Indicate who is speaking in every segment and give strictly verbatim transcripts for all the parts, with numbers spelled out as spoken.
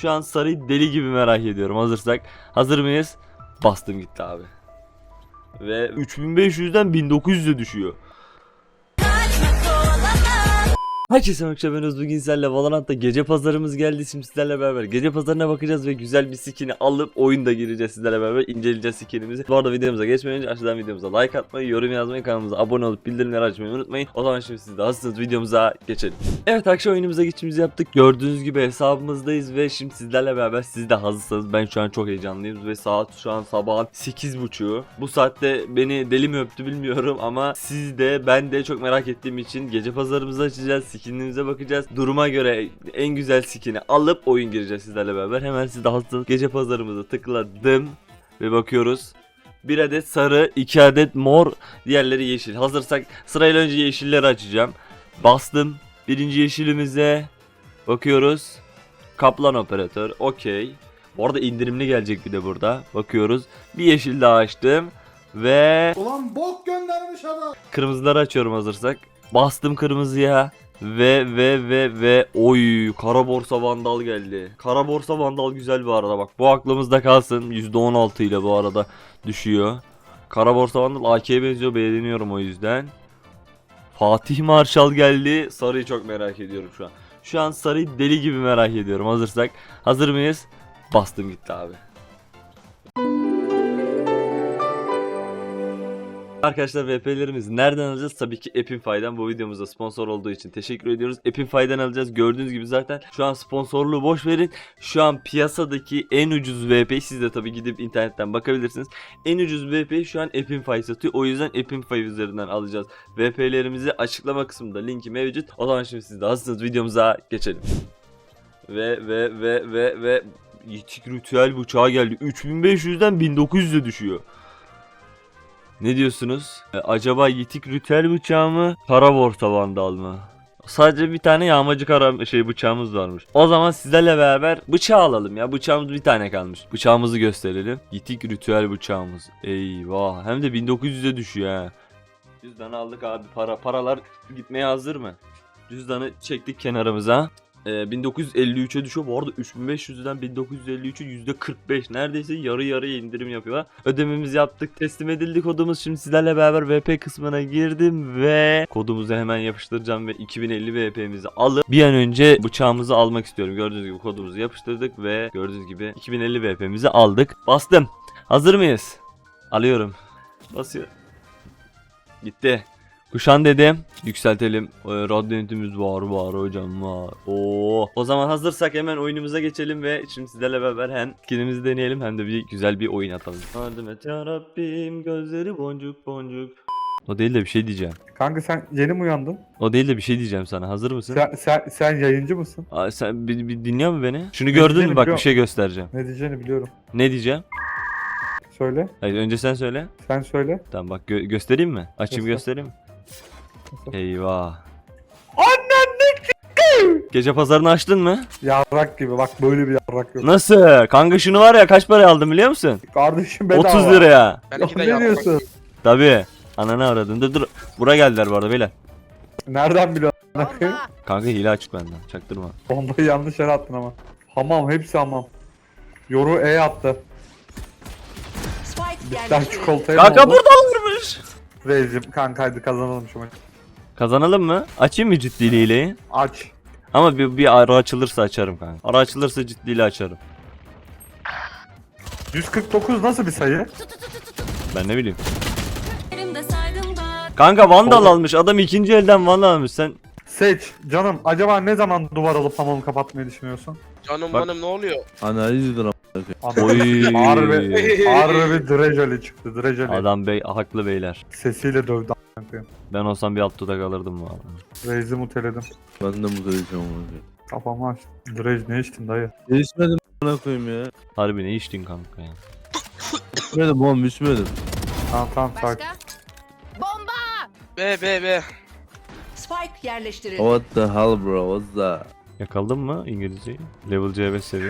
Speaker 1: Şu an sarıyı deli gibi merak ediyorum. Hazırsak. Hazır mıyız? Bastım gitti abi. Ve üç bin beş yüzden bin dokuz yüze düşüyor. Herkese merhaba, ben Özgür. Bugün sizlerle Valorant'ta gece pazarımız geldi. Şimdi sizlerle beraber gece pazarına bakacağız ve güzel bir skin'i alıp oyunda gireceğiz, sizlerle beraber inceleyeceğiz skin'imizi. Bu arada videomuza geçmeden önce aşağıdan videomuza like atmayı, yorum yazmayı, kanalımıza abone olup bildirimleri açmayı unutmayın. O zaman şimdi siz de hazırsanız videomuza geçelim. Evet, akşam oyunumuza geçişimizi yaptık. Gördüğünüz gibi hesabımızdayız ve şimdi sizlerle beraber, siz de hazırsanız, ben şu an çok heyecanlıyım ve saat şu an sabahın sekiz buçuğu. Bu saatte beni deli mi öptü bilmiyorum ama siz de ben de çok merak ettiğim için gece pazarımızı açacağız. Skinimize bakacağız. Duruma göre en güzel skin'i alıp oyun gireceğiz sizlerle beraber. Hemen siz de hazırsanız gece pazarımıza tıkladım ve bakıyoruz. Bir adet sarı, iki adet mor, diğerleri yeşil. Hazırsak sırayla önce yeşilleri açacağım. Bastım. Birinci yeşilimize bakıyoruz. Kaplan operatör. Okey. Bu arada indirimli gelecek bir de burada. Bakıyoruz. Bir yeşil daha açtım. Ve
Speaker 2: ulan bok göndermiş adam.
Speaker 1: kırmızıları açıyorum hazırsak. Bastım kırmızıya. Ve ve ve ve oy, kara borsa vandal geldi. Kara borsa vandal güzel bu arada, bak. Bu aklımızda kalsın. yüzde on altı ile bu arada düşüyor. Kara borsa vandal A K'ye benziyor, beğeniyorum o yüzden. Fatih Marşal geldi. Sarıyı çok merak ediyorum şu an. Şu an sarıyı deli gibi merak ediyorum. Hazırsak. Hazır mıyız? Bastım gitti abi. Arkadaşlar, V P'lerimizi nereden alacağız? Tabii ki Epinfy'den. Bu videomuzda sponsor olduğu için teşekkür ediyoruz. Epinfy'den alacağız. Gördüğünüz gibi zaten şu an sponsorluğu boş verin. Şu an piyasadaki en ucuz V P, siz de tabii gidip internetten bakabilirsiniz. En ucuz V P şu an Epinfy satıyor. O yüzden Epinfy üzerinden alacağız. V P'lerimizi açıklama kısmında linki mevcut. O zaman şimdi siz de hazırsanız videomuza geçelim. Ve ve ve ve ve Yitik ritüel bıçağı geldi. üç bin beş yüzden bin dokuz yüze düşüyor. Ne diyorsunuz? Ee, acaba yitik ritüel bıçağı mı? Kara borsa vandal mı? Sadece bir tane yağmacı kara şey bıçağımız varmış. O zaman sizlerle beraber bıçağı alalım ya. Bıçağımız bir tane kalmış. Bıçağımızı gösterelim. Yitik ritüel bıçağımız. Eyvah. Hem de bin dokuz yüze düşüyor ha. Cüzdanı aldık abi. Para paralar gitmeye hazır mı? Cüzdanı çektik kenarımıza. Ee, bin dokuz yüz elli üçe düşüyor. Bu arada üç bin beş yüzden bin dokuz yüz elli üçe yüzde kırk beş, neredeyse yarı yarıya indirim yapıyorlar. Ödememizi yaptık, teslim edildi kodumuz. Şimdi sizlerle beraber V P kısmına girdim ve kodumuzu hemen yapıştıracağım ve iki bin elli V P'mizi alıp bir an önce bıçağımızı almak istiyorum. Gördüğünüz gibi kodumuzu yapıştırdık ve gördüğünüz gibi iki bin elli V P'mizi aldık. Bastım. Hazır mıyız? Alıyorum. Basıyor. Gitti. Kuşan dedim. Yükseltelim. Ee, radyo ünitemiz var var hocam var. Oo. O zaman hazırsak hemen oyunumuza geçelim ve şimdi sizlerle beraber hem skinimizi deneyelim hem de bir güzel bir oyun atalım. Yardım et ya Rabbim, gözleri boncuk boncuk. O değil de bir şey diyeceğim.
Speaker 2: Kanka sen yeni mi uyandın?
Speaker 1: O değil de bir şey diyeceğim sana. Hazır mısın?
Speaker 2: Sen sen, sen yayıncı mısın?
Speaker 1: Aa, sen bir, bir dinliyor musun beni? Şunu
Speaker 2: Ne
Speaker 1: gördün mü?
Speaker 2: diyeceğini
Speaker 1: Bak bir
Speaker 2: biliyorum.
Speaker 1: şey göstereceğim.
Speaker 2: Ne diyeceğini biliyorum.
Speaker 1: Ne diyeceğim?
Speaker 2: Söyle.
Speaker 1: Hayır, önce sen söyle.
Speaker 2: Sen söyle.
Speaker 1: Tamam bak, gö- göstereyim mi? Açayım,
Speaker 2: Göster.
Speaker 1: göstereyim mi?
Speaker 2: Göster.
Speaker 1: Eyvah. Gece pazarını açtın mı?
Speaker 2: Yarrak gibi, bak böyle bir yarrak yok.
Speaker 1: Nasıl? Kanka şunu var ya, kaç paraya aldım biliyor musun?
Speaker 2: Kardeşim bedava.
Speaker 1: otuz liraya.
Speaker 2: Yok, ne diyorsun?
Speaker 1: Tabii. Ananı aradın. Dur dur. Buraya geldiler bu arada beyler.
Speaker 2: Nereden biliyorsun?
Speaker 1: Kanka hile açık benden. Çaktırma.
Speaker 2: Bombayı yanlış yere attın ama. Hamam, hepsi hamam. Yoru E attı. Bitter çikolatayı
Speaker 1: Kanka buradalarmış.
Speaker 2: Reis'im kanka hadi kazanalım şu maçı.
Speaker 1: Kazanalım mı? Açayım mı ciddi hileyi?
Speaker 2: Aç.
Speaker 1: Ama bir, bir ara açılırsa açarım kanka. Ara açılırsa ciddiyle açarım.
Speaker 2: yüz kırk dokuz nasıl bir sayı?
Speaker 1: Ben ne bileyim. Kanka vandal
Speaker 2: Oğlum.
Speaker 1: almış. Adam ikinci elden vandal almış. Sen
Speaker 2: Seç canım, acaba ne zaman duvar alıp hamamı kapatmayı düşünüyorsun?
Speaker 3: Canım
Speaker 1: Bak.
Speaker 3: benim ne oluyor?
Speaker 4: Analizdir
Speaker 1: oy.
Speaker 2: Harbi, harbi Drejoli çıktı, Drejoli.
Speaker 1: Adam bey haklı beyler.
Speaker 2: Sesiyle dövdü a**ına koyayım.
Speaker 1: Ben olsam bir alt dudak alırdım bu arada.
Speaker 2: Reis'i muteledim.
Speaker 4: Ben de mutlu edeceğim onu.
Speaker 2: Kafamı açtım. Drej ne içtin dayı?
Speaker 4: Değişmedim bana koyayım ya.
Speaker 1: Harbi ne içtin kanka ya?
Speaker 4: İçmedim oğlum içmedim.
Speaker 2: Tamam tamam sakin.
Speaker 5: Başka? Bomba!
Speaker 3: Be be be.
Speaker 5: Spike yerleştirildi.
Speaker 4: What the hell bro, what's that?
Speaker 1: Yakaladın mı İngilizceyi? Level C beş seviye.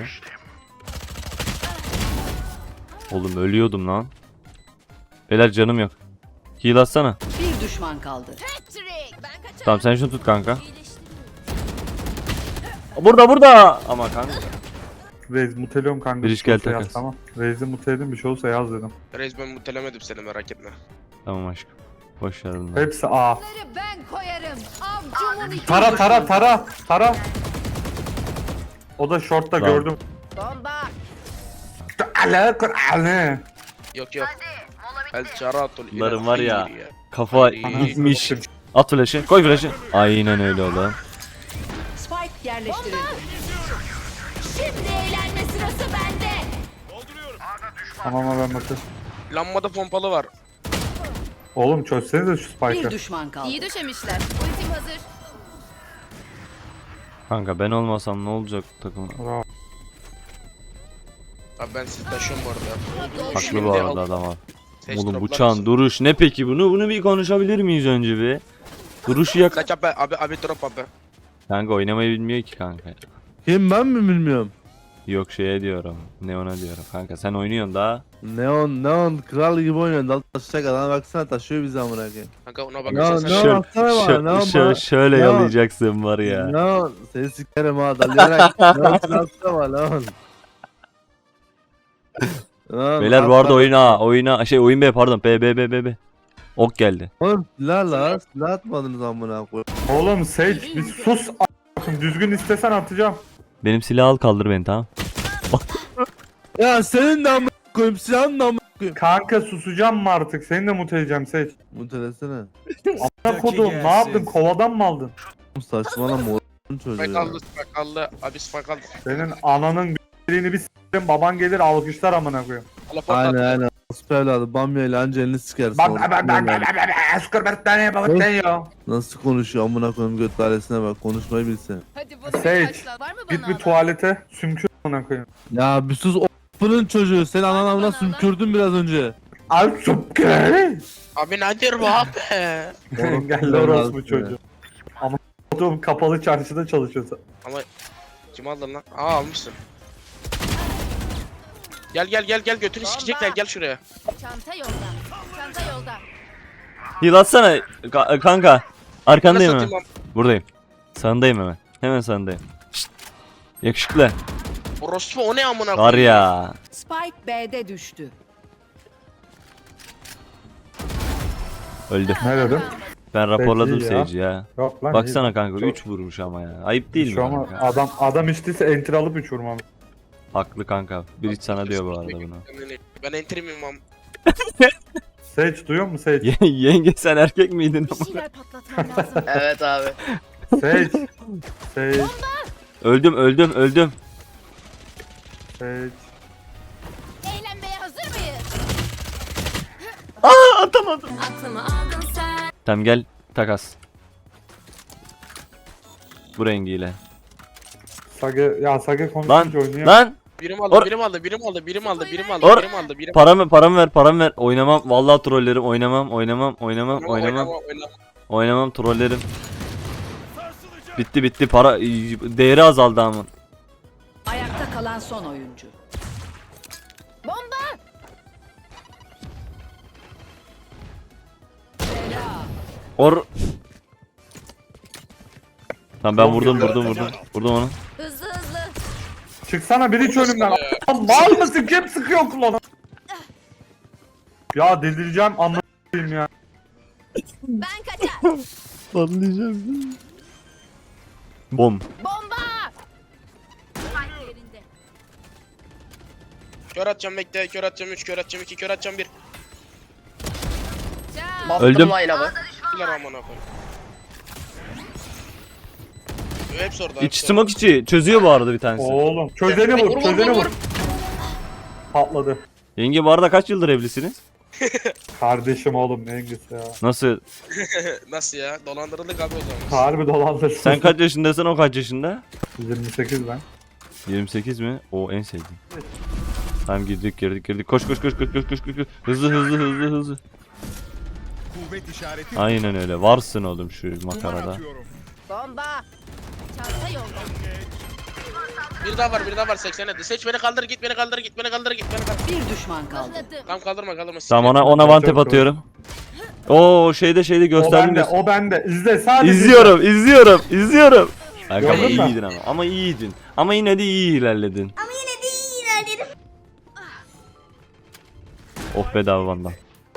Speaker 1: Oğlum ölüyordum lan. Beyler canım yok. Heal atsana.
Speaker 5: Bir düşman kaldı.
Speaker 1: Tamam sen şunu tut kanka. Burada burada. Ama kanka.
Speaker 2: Reis muteliyorum kanka.
Speaker 1: Bir
Speaker 2: Bir
Speaker 1: iş
Speaker 2: şey
Speaker 1: gel
Speaker 2: olsa yaz,
Speaker 1: takas.
Speaker 2: tamam. Reis'i muteledim bir şey olsa yaz dedim.
Speaker 3: Reis ben mutelemedim seni merak etme.
Speaker 1: Tamam aşkım. Boş ver bunları.
Speaker 2: Hepsi A.
Speaker 5: Ben koyarım. Avcumun içi.
Speaker 2: Tara tara tara tara. O da shortta
Speaker 1: Tamam.
Speaker 2: gördüm.
Speaker 5: Bomba.
Speaker 2: Ale Kur'an'ı.
Speaker 3: Yok yok. El çaratul.
Speaker 1: Bunların var ya.
Speaker 3: İyi
Speaker 1: Kafa
Speaker 3: Hayır.
Speaker 1: gitmiş. At flash'ı. Koy flash'ı. Aynen öyle oğlum.
Speaker 5: Spike yerleştirildi.
Speaker 6: Şimdi eğlenme sırası bende.
Speaker 2: Tamam ben bakayım.
Speaker 3: Lambada pompalı var.
Speaker 2: Oğlum çözsenize şu
Speaker 5: Bir
Speaker 2: spike'ı.
Speaker 5: düşman kaldı.
Speaker 6: İyi döşemişler. Ultim hazır.
Speaker 1: Kanka ben olmasam ne olacak takım?
Speaker 2: Bravo.
Speaker 3: Abi ben sizi taşıyorum bu arada.
Speaker 1: Haklı
Speaker 3: Şimdi
Speaker 1: bu arada
Speaker 3: al.
Speaker 1: adam abi.
Speaker 3: Seç
Speaker 1: Oğlum
Speaker 3: droplar
Speaker 1: bıçağın
Speaker 3: mısın?
Speaker 1: duruş ne peki bunu? Bunu bir konuşabilir miyiz önce bir? Duruşu yak.
Speaker 3: Kaç abi abi abi drop abi.
Speaker 1: Kanka oynamayı bilmiyor ki kanka.
Speaker 4: Kim ben mi bilmiyorum.
Speaker 1: Yok şeye diyorum. Neon'a diyorum. Kanka sen oynuyorsun daha.
Speaker 4: Neon Neon kral gibi oynuyor. Dal taşacak adam baksana taşıyor bizi amına koyayım.
Speaker 3: Kanka ona
Speaker 4: Ne
Speaker 3: bakarsan
Speaker 4: ne
Speaker 3: sen
Speaker 1: Şö-
Speaker 4: baksana bana,
Speaker 1: şö-
Speaker 4: ne
Speaker 1: şö-
Speaker 4: bana.
Speaker 1: şöyle
Speaker 4: Ne
Speaker 1: yalayacaksın var ya.
Speaker 4: Neon seni sikerim ha dalayarak. Neon silahsana var Neon. Neon,
Speaker 1: Beyler bu arada
Speaker 4: atla.
Speaker 1: oyuna oyuna şey oyun B pardon B B B B B. Ok geldi.
Speaker 4: Oğlum silah la silah atmadınız amına koyayım.
Speaker 2: Oğlum Sage bir sus a**ım. Düzgün istesen atacağım.
Speaker 1: Benim silahı al kaldır beni tamam.
Speaker 4: Ya senin de amına koyayım silahın da amına koyayım.
Speaker 2: Kanka susacağım mı artık? Seni de muteleyeceğim Sage.
Speaker 4: Mutelesene.
Speaker 2: Ne kodum ne yaptın? Kovadan mı aldın?
Speaker 4: Saçmalama oğlum çocuğu
Speaker 3: spike
Speaker 4: ya.
Speaker 3: aldı spike aldı. Abi spike aldı.
Speaker 2: Senin ananın birini bir s**tim baban gelir alkışlar amına koyayım.
Speaker 3: Telefon
Speaker 4: Aynen
Speaker 3: attı.
Speaker 4: aynen. Nasıl evladı bamya ile anca elini sikersin.
Speaker 2: Bak
Speaker 4: orada.
Speaker 2: bak bak bak bak bak Skor Bertane babaten ya.
Speaker 4: Nasıl konuşuyor amına koyayım göt ailesine bak konuşmayı bilse.
Speaker 6: Hadi bunu
Speaker 2: Sage,
Speaker 6: bir taşla. Var mı bana
Speaker 2: Git bir
Speaker 6: alan?
Speaker 2: tuvalete sümkür amına koyayım.
Speaker 4: Ya bir sus o***'nın çocuğu sen anan amına sümkürdün biraz önce.
Speaker 2: Al sümkür.
Speaker 3: Abi nedir bu abi?
Speaker 2: Engelli orospu çocuğu. Ama oğlum kapalı çarşıda çalışıyorsa.
Speaker 3: Ama kim aldın lan? Aa almışsın. Gel gel gel gel götünü sikecekler gel şuraya.
Speaker 6: Çanta yolda. Çanta yolda.
Speaker 1: Heal atsana ka- kanka. Arkandayım
Speaker 3: Nasıl
Speaker 1: hemen.
Speaker 3: atayım
Speaker 1: Buradayım. Sağındayım hemen. Hemen sağındayım. Şşt. Yakışıklı.
Speaker 3: lan? Orospu o ne amına
Speaker 1: Var ya.
Speaker 5: Spike B'de düştü.
Speaker 1: Öldü.
Speaker 2: Ne dedim?
Speaker 1: Ben raporladım
Speaker 2: iyi ya.
Speaker 1: Sage'i ya.
Speaker 2: Yok lan.
Speaker 1: Baksana kanka
Speaker 2: Çok-
Speaker 1: üç vurmuş ama ya. Ayıp değil mi
Speaker 2: Şu ama
Speaker 1: kanka?
Speaker 2: adam adam içtiyse enter alıp üç vurmam.
Speaker 1: Haklı kanka. Bir sana diyor bu arada bunu.
Speaker 3: Ben enterim imam.
Speaker 2: Sage duyuyor musun Sage?
Speaker 1: Ye- Yenge sen erkek miydin?
Speaker 6: Bir şeyler patlatmam lazım.
Speaker 3: Evet abi.
Speaker 2: Sage. Sage.
Speaker 1: Öldüm öldüm öldüm.
Speaker 2: Sage.
Speaker 6: Eğlenmeye hazır mıyız?
Speaker 1: Aa atamadım.
Speaker 6: Aklımı aldın sen.
Speaker 1: Tamam gel takas. Bu rengiyle.
Speaker 2: Sage ya Sage
Speaker 1: Lan
Speaker 2: konuşunca oynuyor.
Speaker 1: lan
Speaker 3: Birim aldı,
Speaker 1: Or-
Speaker 3: birim aldı, birim aldı, birim aldı, birim aldı,
Speaker 1: Or-
Speaker 3: birim aldı, birim
Speaker 1: paramı paramı ver paramı ver. Oynamam vallahi trollerim oynamam oynamam oynamam
Speaker 3: aldı.
Speaker 1: oynamam
Speaker 3: oynama.
Speaker 1: oynamam trollerim. Bitti bitti para değeri azaldı ama.
Speaker 5: Ayakta kalan son oyuncu.
Speaker 6: Bomba.
Speaker 1: Or Tamam ben
Speaker 2: Çok
Speaker 1: vurdum
Speaker 2: güzel.
Speaker 1: vurdum vurdum. Vurdum onu.
Speaker 6: Hızlı hızlı.
Speaker 2: Çıksana biri hiç önümden. Lan mal mısın? Kim sıkıyor kulağına? Ya delireceğim anlatayım ya.
Speaker 6: Ben kaçar.
Speaker 1: Patlayacağım. Bom.
Speaker 6: Bomba. Spike yerinde.
Speaker 3: Kör atacağım bekle, kör atacağım üç, kör atacağım iki, kör atacağım bir.
Speaker 6: Can.
Speaker 1: Öldüm.
Speaker 3: Kiler amına koyayım. Hepsi orada.
Speaker 1: İç
Speaker 3: hepsi
Speaker 1: smoke içi çözüyor bu arada bir tanesi.
Speaker 2: Oğlum çözeni
Speaker 3: Vur,
Speaker 2: vur,
Speaker 3: vur,
Speaker 2: çözeni
Speaker 3: vur,
Speaker 2: vur.
Speaker 3: vur.
Speaker 2: Patladı.
Speaker 1: Yenge bu arada kaç yıldır evlisiniz?
Speaker 2: Kardeşim oğlum ne yengesi ya.
Speaker 1: Nasıl?
Speaker 3: orada. Nasıl ya? Dolandırıldık abi o zaman.
Speaker 2: Harbi dolandırsın.
Speaker 1: Sen kaç yaşındasın o kaç yaşında?
Speaker 2: yirmi sekiz ben.
Speaker 1: yirmi sekiz mi? O en sevdiğim. Tamam girdik girdik girdik. Koş koş koş koş koş koş koş. Hızlı hızlı hızlı hızlı.
Speaker 7: Kuvvet işareti.
Speaker 1: Aynen öyle. Varsın oğlum şu makarada.
Speaker 6: Bomba. Çanta yolda.
Speaker 3: Bir daha var, bir daha var seksen hadi. Seç beni kaldır, git beni kaldır, git beni kaldır, git beni kaldır.
Speaker 5: Bir düşman kaldı.
Speaker 6: Mıhladım.
Speaker 3: Tamam kaldırma, kaldırma.
Speaker 1: Tamam ona ona one tap atıyorum. Oo şeyde şeyde
Speaker 2: O
Speaker 1: gösterdim
Speaker 2: bende,
Speaker 1: göster.
Speaker 2: o bende. İzle sadece.
Speaker 1: İzliyorum, izliyorum, izliyorum. Kanka ama
Speaker 2: Gördün mü?
Speaker 1: iyiydin ama. Ama iyiydin. Ama yine de iyi ilerledin. Oh bedava Vandal.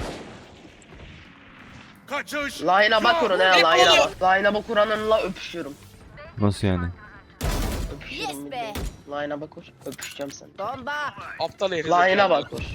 Speaker 7: Kaçış.
Speaker 8: Line'a bak kurun he
Speaker 3: Ne
Speaker 8: line'a
Speaker 3: oluyor?
Speaker 8: bak. Line'a bak kuranınla öpüşüyorum.
Speaker 1: Nasıl yani?
Speaker 8: Öpüşüyorum.
Speaker 6: Yes be.
Speaker 8: Line'a bak kur. Öpüşeceğim sen.
Speaker 6: Bomba.
Speaker 3: Aptal herif.
Speaker 8: Line'a bak kur.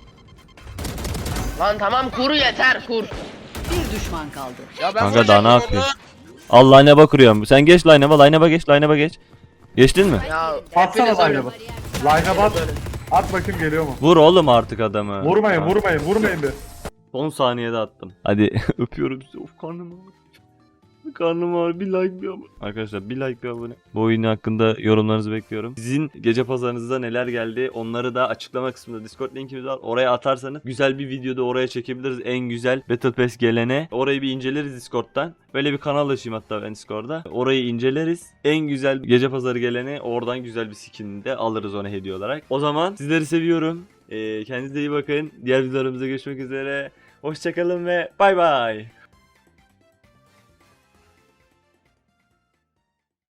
Speaker 8: Lan tamam kur yeter kur.
Speaker 5: Bir düşman kaldı.
Speaker 3: Ya ben
Speaker 1: Kanka
Speaker 3: vuracağım
Speaker 1: daha ne
Speaker 3: onu.
Speaker 1: yapıyor? Allah line'a bakıyorum. Sen geç line'a, line'a geç, line'a geç. Geçtin mi?
Speaker 8: Ya
Speaker 2: Atsana
Speaker 8: hepiniz
Speaker 2: line'a
Speaker 8: öyle.
Speaker 2: bak. Line'a bak. At bakayım geliyor mu?
Speaker 1: Vur oğlum artık adamı.
Speaker 2: Vurmayın
Speaker 1: Ha.
Speaker 2: vurmayın vurmayın bir.
Speaker 1: on saniyede attım. Hadi öpüyorum sizi. Of karnım ağrıyor. Karnım ağrıyor. Bir like bir abone. Arkadaşlar bir like bir abone. Bu oyun hakkında yorumlarınızı bekliyorum. Sizin gece pazarınızda neler geldi onları da açıklama kısmında Discord linkimiz var. Oraya atarsanız güzel bir videoda oraya çekebiliriz. En güzel Battle Pass gelene. Orayı bir inceleriz Discord'dan. Böyle bir kanal açayım hatta ben Discord'da. Orayı inceleriz. En güzel gece pazarı gelene oradan güzel bir skin de alırız ona hediye olarak. O zaman sizleri seviyorum. Ee, kendinize iyi bakın. Diğer videolarımızda görüşmek üzere. Hoşçakalın ve bay bay.